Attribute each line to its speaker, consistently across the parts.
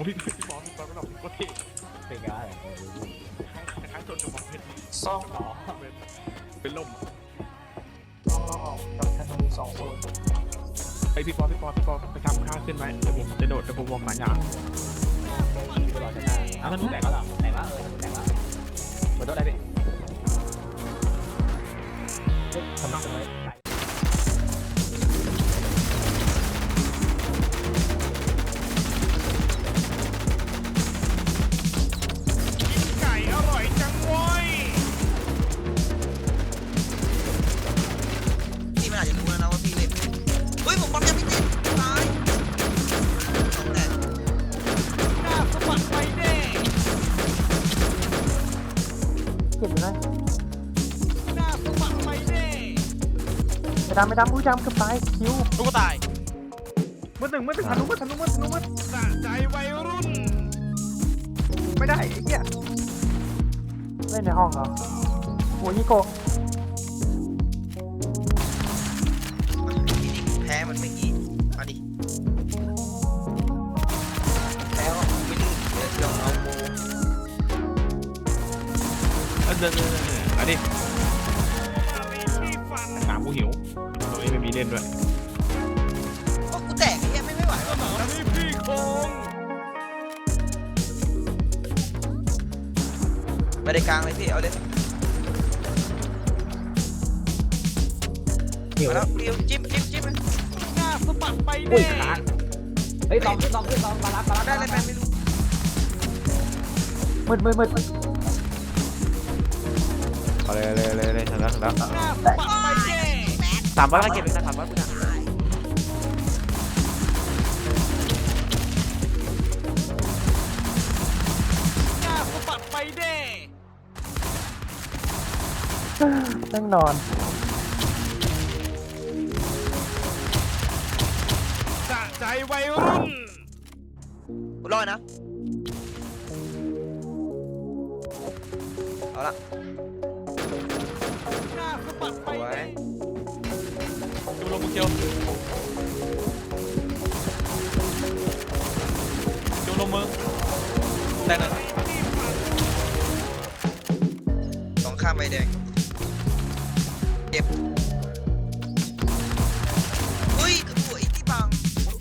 Speaker 1: พี่บอลก็แบบโคตรเท่
Speaker 2: เป็นไง
Speaker 1: คล้ายๆโดนกระบอกเพชร
Speaker 2: ซ่อมหรอ
Speaker 1: เป็นล่ม
Speaker 2: กับธนู2 คน
Speaker 1: ไอพี่ปอไปทำค่าขึ้นไหมเดี๋ยวผมจะโดดเดี๋ยวผมวงหลายอย่าง
Speaker 2: ตลอดจะได้อ้าวธนูแตกแล้วเหรอไหนวะธนูแตกแล้วขอโทษได้พี่ทำไม
Speaker 1: ไก่อร่อยจังเว้ย
Speaker 3: พี่มันอาจจะรู้แล้วนะว่าพี่เล่นเฮ้ยผมบอลยังไม่ติดตายแต่
Speaker 1: หน้าสะบัดไปเด้
Speaker 4: เก็บอยู่นะ
Speaker 1: หน้าสะบัดไปเด้
Speaker 4: ไม่ดำอุ้ยดำเกือบตายคิว
Speaker 1: ลูกตายมือหนึ่งทะลุสะใจวัยรุ่นไม่ได้ไอ้เหี้ย
Speaker 4: เล่นในห้องเหรอโอ้ยฮิโกะ
Speaker 3: พี่นี่แพ้มันเมื่อกี้มาดิแพ้ก็ไม่ดื้อเดี๋ยวเอาโม
Speaker 1: เดินมาดิหาผู้หิวตัวนี้ไม่มีเล่นด้วย
Speaker 3: ก็กูแตกไอ้เหี้ยไม่ไหวว่ะ
Speaker 1: นี่พี่คง
Speaker 3: ไปในกลางเลยพี่เอาเลย
Speaker 2: หิว
Speaker 3: มาแล้วเรียวจิ้มเลย
Speaker 1: หน้าสะบัดไป
Speaker 2: อุ้ย
Speaker 1: เด้
Speaker 2: ค้างเฮ้ยลองขึ้นมารับ
Speaker 3: ได้เลยแมนไม่รู้
Speaker 4: มืด
Speaker 5: เอาเลยถึงแล้ว
Speaker 1: หน้าสะบัดไปเด้
Speaker 5: 300เก็บอีกนะ300คุณอ่ะ
Speaker 1: หน้าสะบัดไปเด้
Speaker 4: นั่งนอน
Speaker 1: สะใจวัยรุ่น
Speaker 3: กูรอดนะเอาละ
Speaker 1: หน้าสะบัดไป
Speaker 3: เอาไว้
Speaker 1: เด้ดูลงมือเกียวดูลงมือแต่หนึ่ง
Speaker 3: สองข้ามใบแดงเจ็บเฮ้ยกระปุยที่บัง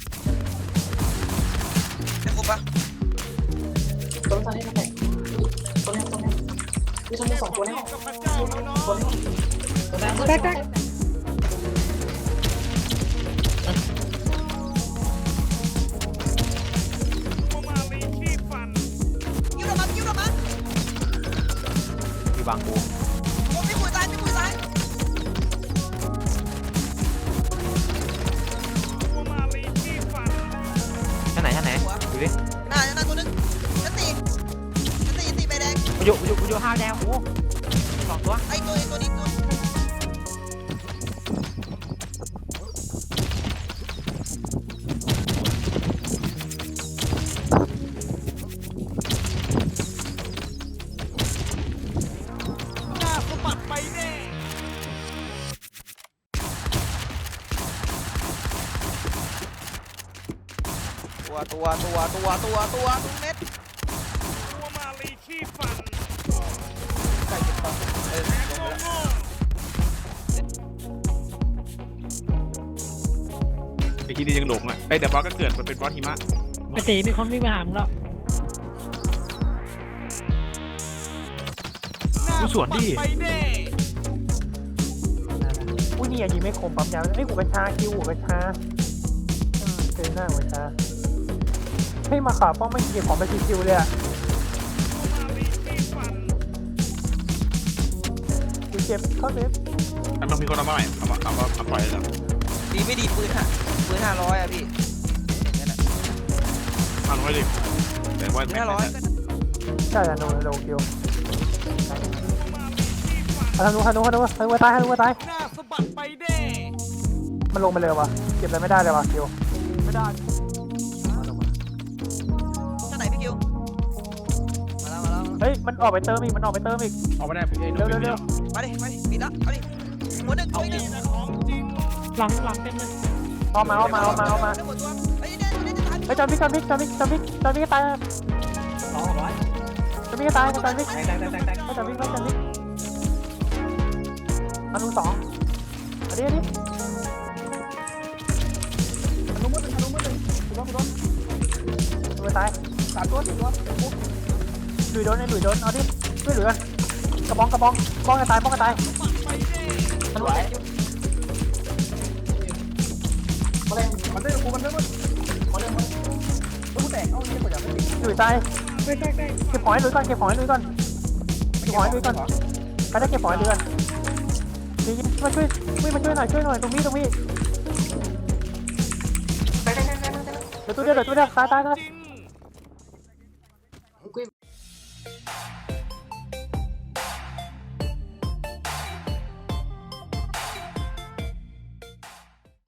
Speaker 3: ได้ครบปะ
Speaker 4: ตัวตอนนี้แตกตัวนี้มีชั้น2ตัวในห้อง
Speaker 1: กับพระเจ้าแล้วเนาะ
Speaker 4: แตก
Speaker 1: มาลีที่ฟัน
Speaker 3: ยิ้วละมัน
Speaker 5: มีบางกู
Speaker 3: ผมไม่คุยตาย
Speaker 1: มาลีที่ฟัน
Speaker 5: ชั้นไหนดูดิ
Speaker 3: หน้าตัวนึงจะตีใบแดง
Speaker 5: อยู่ห้าวแดงโอ้2 ตัว
Speaker 3: ไอ้ตัวนี้ตัว
Speaker 1: หน้าสะบัดไปเด้
Speaker 3: ตัวเม็ด
Speaker 1: ตัวมาลีที่ฟัน
Speaker 3: ใส่เก็บต่อลงไปแล้ว
Speaker 1: โง่
Speaker 6: ไอ้ที่นี่ยังหลงอ่ะไอ้เดี๋ยวบอสก็เกิดมันเป็นบอสหิมะ
Speaker 4: ปกติมีคนวิ่งมาหามึงแล้ว
Speaker 1: หน้าสะบัดไปเด้
Speaker 4: อุ้ยนี่ยิงไม่คมปั๊มยาวไอ้หูกระชาคิวหูกระชาเจอหน้าหัวชาให้มาขาป้องไม่เก็บของไปคิวเลยอ่ะ
Speaker 1: มาลีที่ฟัน
Speaker 4: กูเจ็บเข้าเซฟ
Speaker 6: มันต้องมีคนเอามาใหม่เอาปล่อยเลยเหรอ
Speaker 3: ดีไม่ดีปืน500อ่ะพี่อย่างนั้นอ่ะ
Speaker 6: 500ดิแต่ว่า
Speaker 3: ปืน500ก็
Speaker 4: ใช่ธนูคิว
Speaker 1: มาลีที่ฟัน
Speaker 4: ธนูตาย
Speaker 1: หน้าสะบัดไปเด้
Speaker 4: มันลงไปเลยวะเก็บอะไรไม่ได้เลยวะคิวไม่ได้
Speaker 3: ท่าไหนพี่คิวมาแล้ว
Speaker 4: เฮ้ยมันออกไปเติมอีก
Speaker 6: เอาไม่ได้พี่ไอ้
Speaker 4: เร็ว
Speaker 3: มาดิปิดละเอาดิหัวหนึ่งตัวนึง
Speaker 1: ของจริง
Speaker 4: หลังเต็มเลยเอามา
Speaker 3: หมดตัวไอ้เนี่ยจะทัน
Speaker 4: ไปจอนพิกก็ตาย
Speaker 2: 200
Speaker 4: จอนพิกก็ตายจอนพิก
Speaker 2: แตก
Speaker 4: จอนพิกอนุ2อันนี้
Speaker 1: ทะลุมืดหนึ่งกูโดน
Speaker 4: ไปตาย
Speaker 1: 3 ตัว 4 ตัวปุ๊บ
Speaker 4: หลุยโดนเอาดิช่วยเหลือกระบองป้องกันตายทะลุ
Speaker 1: มันได้กูมันได้มั้ยกูแตกเอ้าเนี่ยกูอยากไม่ติด
Speaker 4: หลุยตายเก็บหอยหลุยก่อนไปได้เก็บหอยหลุยก่อนดีมาช่วยหน่อยตรงนี้เดี๋ยวตัวเดียวตาย